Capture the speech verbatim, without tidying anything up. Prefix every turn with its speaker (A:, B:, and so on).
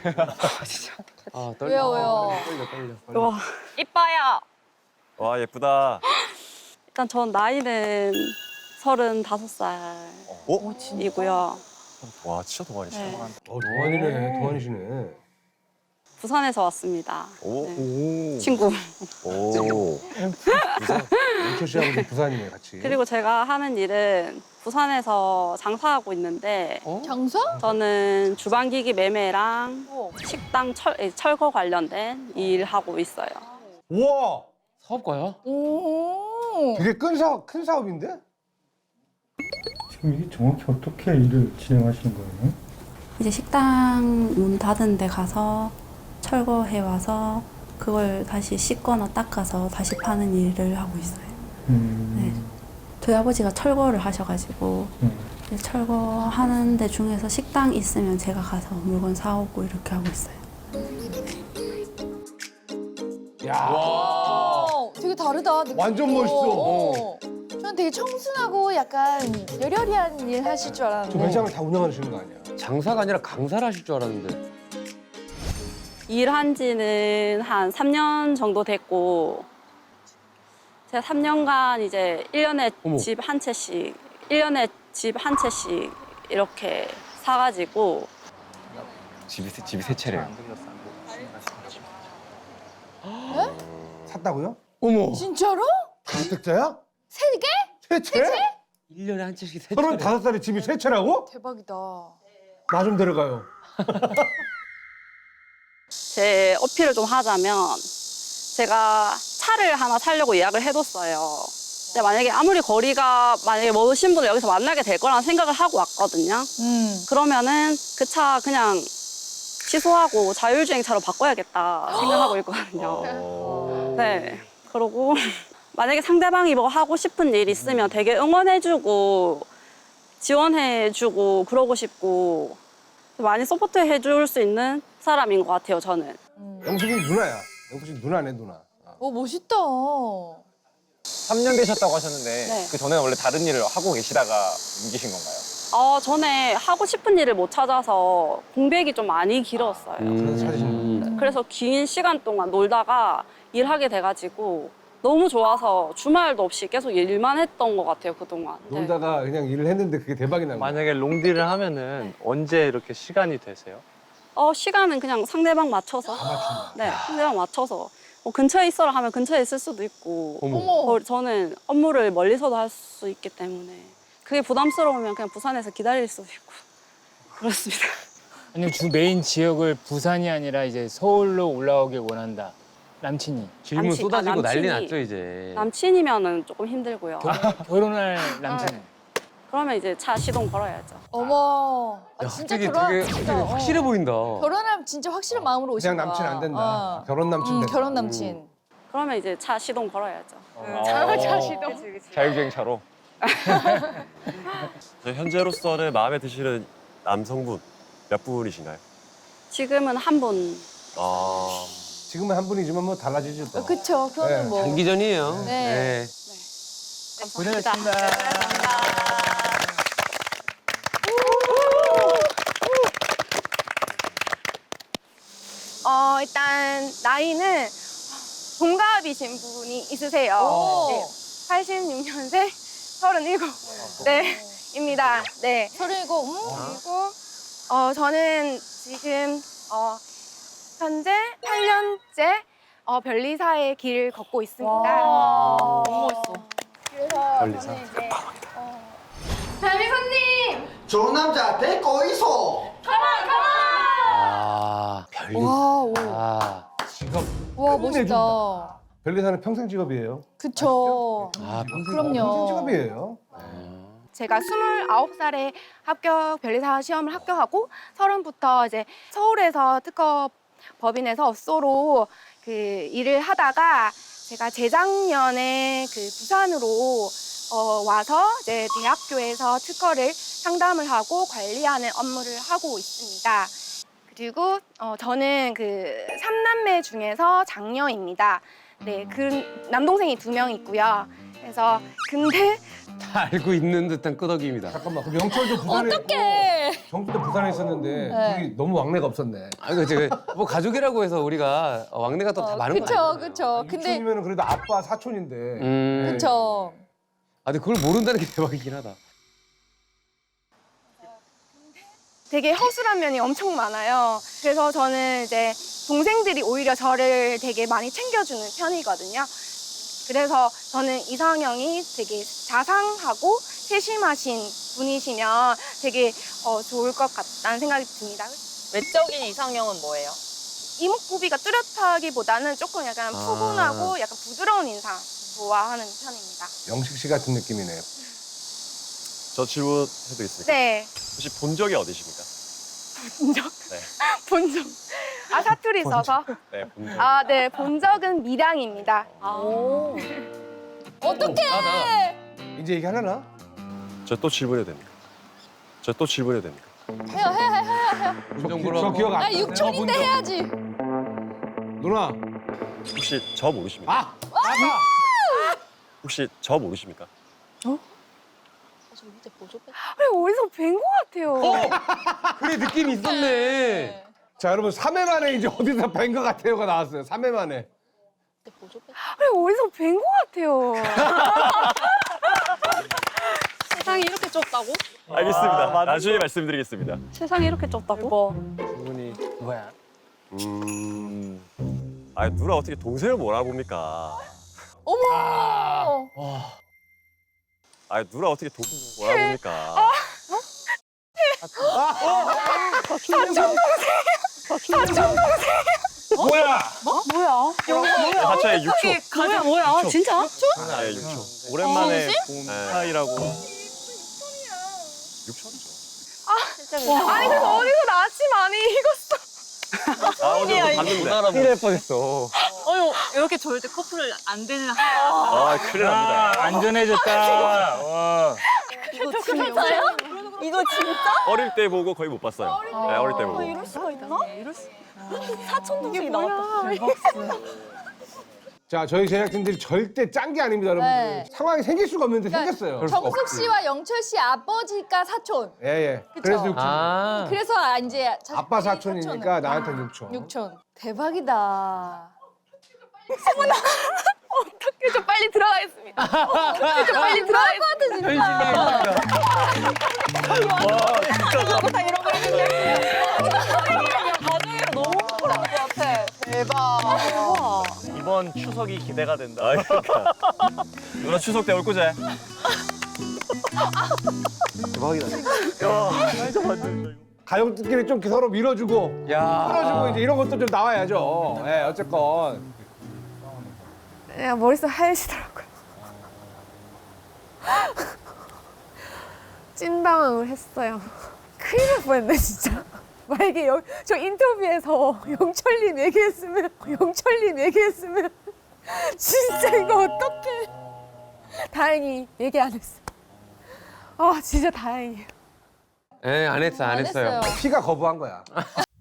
A: 아, 떨려.
B: 왜요, 왜요?
A: 떨려, 떨려. 떨려.
C: 와, 이뻐요.
D: 와 예쁘다.
C: 일단 전 나이는 서른다섯
D: 어?
C: 살이고요.
D: 와 진짜 동안이시다.
C: 네.
E: 어, 동안이네, 동안이시네.
C: 부산에서 왔습니다.
D: 오.
C: 네. 친구.
D: 오.
E: 영철 씨하고 지금 부산이네, 같이.
C: 그리고 제가 하는 일은 부산에서 장사하고 있는데
B: 장사?
C: 저는 주방기기 매매랑
B: 어.
C: 식당 철, 예, 철거 관련된 일 하고 있어요.
E: 우와!
A: 사업가야?
B: 오.
E: 되게 큰 사업, 큰 사업인데?
F: 지금 이게 정확히 어떻게 일을 진행하시는 거예요?
C: 이제 식당 문 닫은 데 가서 철거해 와서 그걸 다시 씻거나 닦아서 다시 파는 일을 하고 있어요.
F: 음,
C: 네. 저희 아버지가 철거를 하셔가지고
F: 음.
C: 이제 철거하는 데 중에서 식당 있으면 제가 가서 물건 사오고 이렇게 하고 있어요.
E: 야,
B: 와, 되게 다르다. 느낌도.
E: 완전 멋있어.
B: 어. 저는 되게 청순하고 약간 여려리한 일 하실 줄
E: 저
B: 알았는데.
E: 매장을 다 운영하시는 거 아니야?
A: 장사가 아니라 강사를 하실 줄 알았는데.
C: 일한 지는 한 삼 년 정도 됐고 제가 삼 년간 이제 일 년에
A: 어머.
C: 집 한 채씩 일 년에 집 한 채씩 이렇게 사가지고
D: 집이 세- 집이 세 채래요.
E: 샀다고요?
A: 어머.
B: 진짜로?
E: 다주택자야?
B: 세 개?
E: 세 채?
A: 일 년에 한 채씩 세
E: 서른다섯 살에 집이 세 채라고?
B: 대박이다.
E: 나 좀 데려가요.
C: 제 어필을 좀 하자면 제가 차를 하나 사려고 예약을 해뒀어요. 근데 만약에 아무리 거리가 만약에 모르신 분을 여기서 만나게 될 거라는 생각을 하고 왔거든요.
B: 음.
C: 그러면은 그 차 그냥 취소하고 자율주행차로 바꿔야겠다 생각하고 있거든요.
D: 어.
C: 네. 그러고 만약에 상대방이 뭐 하고 싶은 일 있으면 되게 응원해주고 지원해주고 그러고 싶고 많이 서포트해줄 수 있는 사람인 것 같아요, 저는.
E: 영숙이 누나야. 영숙이 누나네, 누나. 어.
B: 오, 멋있다.
G: 삼 년 되셨다고 하셨는데
C: 네.
G: 그 전에는 원래 다른 일을 하고 계시다가 옮기신 건가요?
C: 어, 전에 하고 싶은 일을 못 찾아서 공백이 좀 많이 길었어요.
E: 그래서 찾으신
A: 음.
C: 그래서 긴 시간 동안 놀다가 일하게 돼가지고 너무 좋아서 주말도 없이 계속 일만 했던 것 같아요, 그동안. 네.
E: 놀다가 그냥 일을 했는데 그게 대박이 난 거야.
H: 만약에 롱디를 하면은 언제 이렇게 시간이 되세요?
C: 어, 시간은 그냥 상대방 맞춰서. 네, 상대방 맞춰서. 뭐 근처에 있어라 하면 근처에 있을 수도 있고.
A: 어머.
B: 어머.
C: 어, 저는 업무를 멀리서도 할 수 있기 때문에. 그게 부담스러우면 그냥 부산에서 기다릴 수도 있고. 그렇습니다.
I: 아니면 주 메인 지역을 부산이 아니라 이제 서울로 올라오길 원한다. 남친이.
A: 질문
C: 남친,
A: 쏟아지고
C: 아,
A: 난리
C: 남친이-
A: 났죠, 이제.
C: 남친이면은 조금 힘들고요.
I: 결혼할 남친은.
C: 그러면 이제 차 시동 걸어야죠.
B: 어머. 아,
A: 야,
B: 진짜
A: 갑자기
B: 결혼.
A: 되게,
B: 진짜,
A: 되게
B: 어.
A: 확실해 보인다.
B: 결혼하면 진짜 확실한 마음으로 오신
E: 그냥
B: 거야.
E: 남친 안 된다.
B: 어.
E: 결혼 남친
B: 음,
E: 된다.
B: 결혼 남친.
C: 그러면 이제 차 시동 걸어야죠.
G: 차, 차 시동. 자율주행차로.
D: 저 현재로서는 마음에 드시는 남성분 몇 분이신가요?
C: 지금은 한 분.
D: 아.
E: 지금은 한 분이지만 뭐 달라지죠 또.
B: 어, 그쵸. 그거는
E: 네.
B: 뭐.
A: 장기전이에요.
B: 네.
I: 고생하셨습니다.
J: 어, 일단 나이는 동갑이신 분이 있으세요.
B: 오.
J: 네, 팔십육 년생 서른일곱. 네, 입니다. 네.
B: 서른일곱. 음.
J: 그리고 어, 저는 지금 어, 현재 팔 년째 어, 변리사의 길을 걷고 있습니다.
B: 와. 너무 멋있어.
J: 그래서
D: 변리사?
J: 저는 이제 어, 변리사님!
K: 좋은 남자 데리고 있어.
A: 아, 별리.
B: 와, 오.
A: 아,
E: 직업
B: 와,
E: 끝내준다.
B: 멋있다.
E: 변리사는 평생 직업이에요.
B: 그쵸.
A: 아, 평생.
B: 그럼요.
E: 평생 직업이에요.
J: 제가 스물아홉 살에 합격 변리사 시험을 합격하고 서른부터 이제 서울에서 특허 법인에서 업소로 그 일을 하다가 제가 재작년에 그 부산으로 어 와서 이제 대학교에서 특허를 상담을 하고 관리하는 업무를 하고 있습니다. 그리고 어 저는 그 삼남매 중에서 장녀입니다. 네, 그 남동생이 두 명 있고요. 그래서 근데
A: 다 알고 있는 듯한 끄덕입니다.
E: 잠깐만, 그럼 영철도 부산에
B: 어떡해.
E: 있고 정수도 부산에 있었는데
B: 네.
E: 둘이 너무 왕래가 없었네.
A: 아, 이거 제가 뭐 가족이라고 해서 우리가 왕래가 또 다 많은 거
B: 그쵸,
A: 아니에요?
B: 그쵸. 근데,
E: 유촌이면 그래도 아빠 사촌인데.
A: 음.
B: 그쵸.
A: 아, 근데 그걸 모른다는 게 대박이긴 하다.
J: 되게 허술한 면이 엄청 많아요. 그래서 저는 이제 동생들이 오히려 저를 되게 많이 챙겨주는 편이거든요. 그래서 저는 이상형이 되게 자상하고 세심하신 분이시면 되게 어, 좋을 것 같다는 생각이 듭니다.
L: 외적인 이상형은 뭐예요?
J: 이목구비가 뚜렷하기보다는 조금 약간
A: 아.
J: 푸근하고 약간 부드러운 인상 좋아하는 편입니다.
E: 영식 씨 같은 느낌이네요.
D: 저 질문해드리겠습니다.
J: 네,
D: 혹시 본 적이 어디십니까?
J: 본 적?
D: 네.
J: 본 적. 아, 사투리 써서?
D: 네, 본 적.
J: 아, 네, 본 적은 밀양입니다.
L: 오.
B: 어떡해.
E: 이제 얘기하려나?
D: 저 또 질문해도 됩니까? 저 또 질문해도 됩니까?
B: 해요, 해, 해, 해, 해.
A: 운전부로
E: 저
A: 하고.
E: 기억 안
B: 아,
E: 나요.
B: 육촌인데 해야지.
E: 누나.
D: 혹시 저 모르십니까?
E: 아! 아빠!
D: 혹시 저 모르십니까?
J: 왜 어디서 뵌 것 같아요?
A: 그래, 느낌이 있었네.
E: 자, 여러분 삼 회 만에 이제 어디서 뵌 것 같아요가 나왔어요. 삼 회 만에.
J: 왜 어디서 뵌 것 같아요?
C: 세상이 이렇게 좁다고?
D: 알겠습니다. 나중에 말씀드리겠습니다.
C: 세상이 이렇게 좁다고?
A: 질문이 뭐야?
D: 음. 아, 누나 어떻게 동생을 못 알아봅니까?
B: 어머.
D: 아, 누나 어떻게 동생을 못 알아봅니까?
E: 뭐야?
C: 뭐야?
D: 사촌의 육초.
C: 뭐야, 뭐야? 진짜?
D: 네, 육초. 오랜만에 본 사이라고. 육초죠.
J: 아니, 그래서 어디서 나치 많이 익었어.
D: 아, 어제 봤는데.
A: 큰일 날 뻔했어.
L: 어휴, 이렇게 절대 커플을 안 되는 한.
D: 아, 큰일 납니다.
I: 아, 안전해졌다. 와.
L: 이거 진짜요? 이거 진짜?
D: 어릴 때 보고 거의 못 봤어요. 네, 어릴 때 보고.
L: 이럴 수가 있나? 이럴 수. 사촌 동생이 나왔다.
E: 자, 저희 제작진들이 절대 짠 게 아닙니다, 여러분들.
B: 네.
E: 상황이 생길 수가 없는데 생겼어요.
A: 그럴 수가
B: 정숙
A: 없지.
B: 씨와 영철 씨 아버지가 사촌.
E: 예, 예.
B: 그쵸?
E: 그래서 육촌.
A: 아.
B: 그래서 아, 이제 자-
E: 아빠
B: 사촌은.
E: 사촌이니까 나한테는 육촌.
B: 육촌. 대박이다.
J: 어떻게 좀 빨리 들어가겠습니다. 어떻게 좀 빨리 들어가겠습니다.
L: 가족이랑 너무 행복할 것 같아. 대박.
G: 이번 추석이 기대가 된다.
D: 아, 그러니까. 누나 추석 때 올 거제?
E: 가족들끼리 좀 서로 밀어주고,
A: 야.
E: 끌어주고 이제 이런 것도 좀 나와야죠. 예, 어쨌건.
J: 야, 머릿속 하얘지더라고요. 찐당황을 했어요. 큰일 날 뻔했네, 진짜. 만약에 여, 저 인터뷰에서 영철님 얘기했으면, 영철님 얘기했으면, 진짜 이거 어떡해. 다행히 얘기 안 했어. 아, 진짜 다행이에요.
A: 예, 안 했어, 안,
B: 안
A: 했어요.
B: 했어요.
E: 피가 거부한 거야.